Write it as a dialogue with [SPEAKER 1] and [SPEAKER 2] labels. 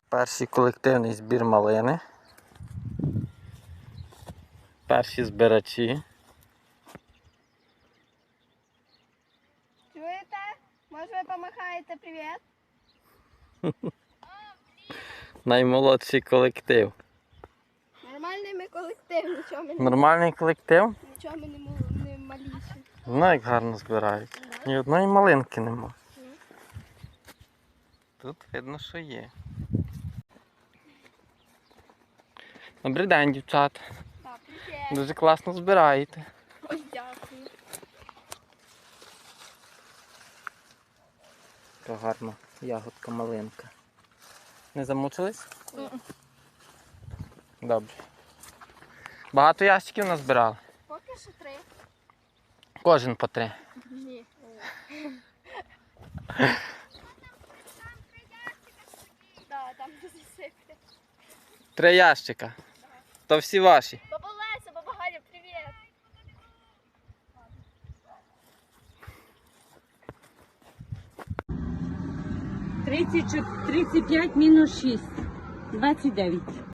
[SPEAKER 1] Перший колективний збір малини. Перші збирачі.
[SPEAKER 2] Чуєте? Може ви помахаєте привіт?
[SPEAKER 1] Наймолодший колектив.
[SPEAKER 2] Нормальний ми колектив, нічого ми
[SPEAKER 1] Нормальний колектив?
[SPEAKER 2] не маліші.
[SPEAKER 1] Ну як гарно збирають. Ні одної малинки нема. Тут видно, що є. Добрий день, дівчата.
[SPEAKER 2] Так, привіт.
[SPEAKER 1] Дуже класно збираєте.
[SPEAKER 2] Ой, дякую.
[SPEAKER 1] Така гарна ягодка малинка. Не замучились? Добре. Багато ящиків назбирали?
[SPEAKER 2] Поки що 3.
[SPEAKER 1] Кожен по 3.
[SPEAKER 2] Ні. Так, там де засипте.
[SPEAKER 1] 3 ящика. То всі ваші.
[SPEAKER 2] Баба Леся, баба Галя, привіт.
[SPEAKER 3] Тридцять 35 мінус 6. 29.